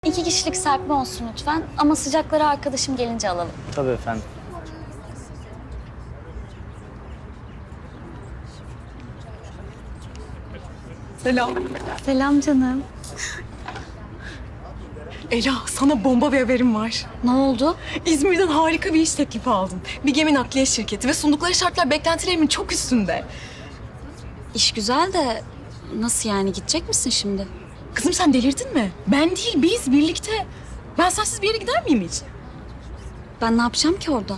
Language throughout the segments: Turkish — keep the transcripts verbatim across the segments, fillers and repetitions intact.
İki kişilik serpme olsun lütfen ama sıcakları arkadaşım gelince alalım. Tabii efendim. Selam. Selam canım. Ela, sana bomba bir haberim var. Ne oldu? İzmir'den harika bir iş teklifi aldım. Bir gemi nakliye şirketi ve sundukları şartlar beklentilerimin çok üstünde. İş güzel de nasıl yani gidecek misin şimdi? Kızım sen delirdin mi? Ben değil, biz birlikte. Ben sensiz bir yere gider miyim hiç? Ben ne yapacağım ki orada?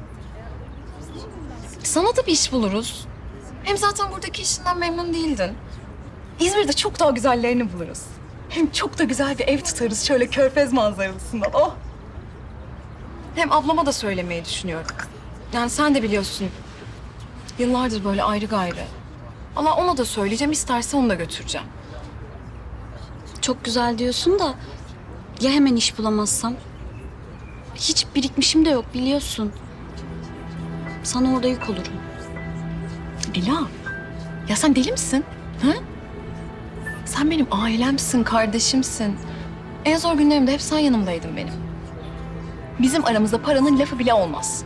Sana da bir iş buluruz. Hem zaten buradaki işinden memnun değildin. İzmir'de çok daha güzellerini buluruz. Hem çok da güzel bir ev tutarız şöyle körfez manzaralısından. Oh! Hem ablama da söylemeyi düşünüyorum. Yani sen de biliyorsun. Yıllardır böyle ayrı gayrı. Ama ona da söyleyeceğim, isterse onu da götüreceğim. Çok güzel diyorsun da ya hemen iş bulamazsam? Hiç birikmişim de yok biliyorsun. Sana orada yük olurum. Ela, ya sen deli misin? Ha? Sen benim ailemsin, kardeşimsin. En zor günlerimde hep sen yanımdaydın benim. Bizim aramızda paranın lafı bile olmaz.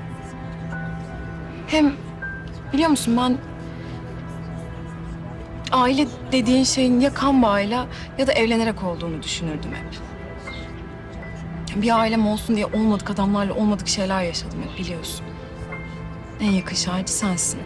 Hem biliyor musun ben... Aile dediğin şeyin ya kan bağıyla ya da evlenerek olduğunu düşünürdüm hep. Bir ailem olsun diye olmadık adamlarla olmadık şeyler yaşadım hep biliyorsun. En yakın şahidi sensin.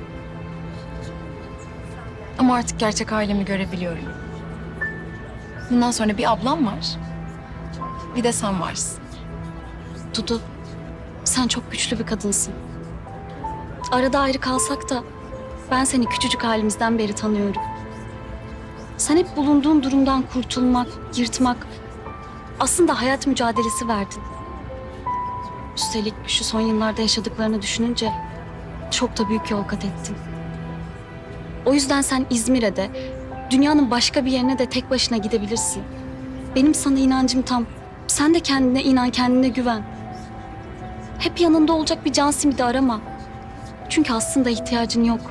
Ama artık gerçek ailemi görebiliyorum. Bundan sonra bir ablam var. Bir de sen varsın. Dudu, sen çok güçlü bir kadınsın. Arada ayrı kalsak da ben seni küçücük halimizden beri tanıyorum. Sen hep bulunduğun durumdan kurtulmak, yırtmak, aslında hayat mücadelesi verdin. Üstelik şu son yıllarda yaşadıklarını düşününce çok da büyük yol kat ettin. O yüzden sen İzmir'e de, dünyanın başka bir yerine de tek başına gidebilirsin. Benim sana inancım tam. Sen de kendine inan, kendine güven. Hep yanında olacak bir can simidi arama. Çünkü aslında ihtiyacın yok.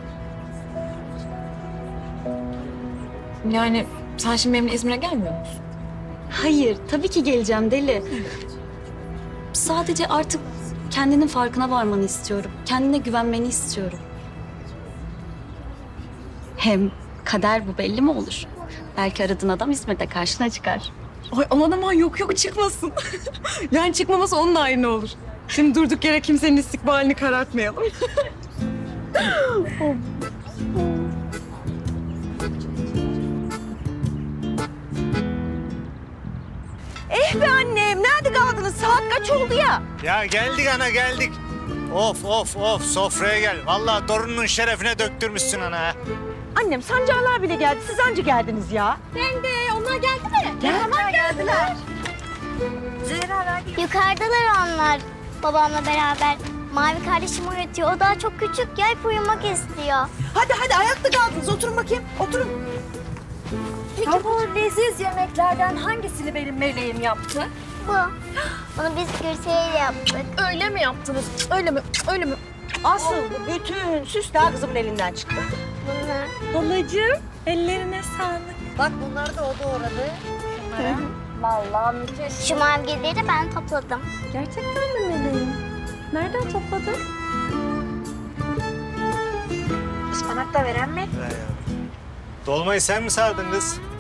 Yani sen şimdi benimle İzmir'e gelmiyor musun? Hayır, tabii ki geleceğim deli. Sadece artık kendinin farkına varmanı istiyorum. Kendine güvenmeni istiyorum. Hem kader bu belli mi olur? Belki aradığın adam İzmir'de karşına çıkar. Ay aman aman yok yok çıkmasın. Yani çıkmaması onun ayrına olur. Şimdi durduk yere kimsenin istikbalini karartmayalım. Eh be annem, nerede kaldınız? Saat kaç oldu ya? Ya geldik ana geldik. Of of of sofraya gel. Vallahi torununun şerefine döktürmüşsün ana. ha. Annem, sancağlar bile geldi. Siz anca geldiniz ya. Tamam geldiler. Yukarıdalar onlar babamla beraber. Mavi kardeşim uyutuyor. O daha çok küçük ya hep uyumak istiyor. Hadi hadi ayakta kaldınız. Oturun bakayım. Oturun. Peki bu leziz yemeklerden hangisini benim meleğim yaptı? Bu. Onu biz Gülse'yle yaptık. Öyle mi yaptınız? Öyle mi? Öyle mi? Asıl bu bütün süs daha kızımın elinden çıktı. Bunlar. Halacığım, ellerine sağlık. Bak bunları da o doğradı. Şunlara. Vallahi müthiş. Şu mavi gülleri de ben topladım. Gerçekten mi meleğim? Nereden topladın? Ispanak da veren mi? Dolmayı sen mi sardın kız?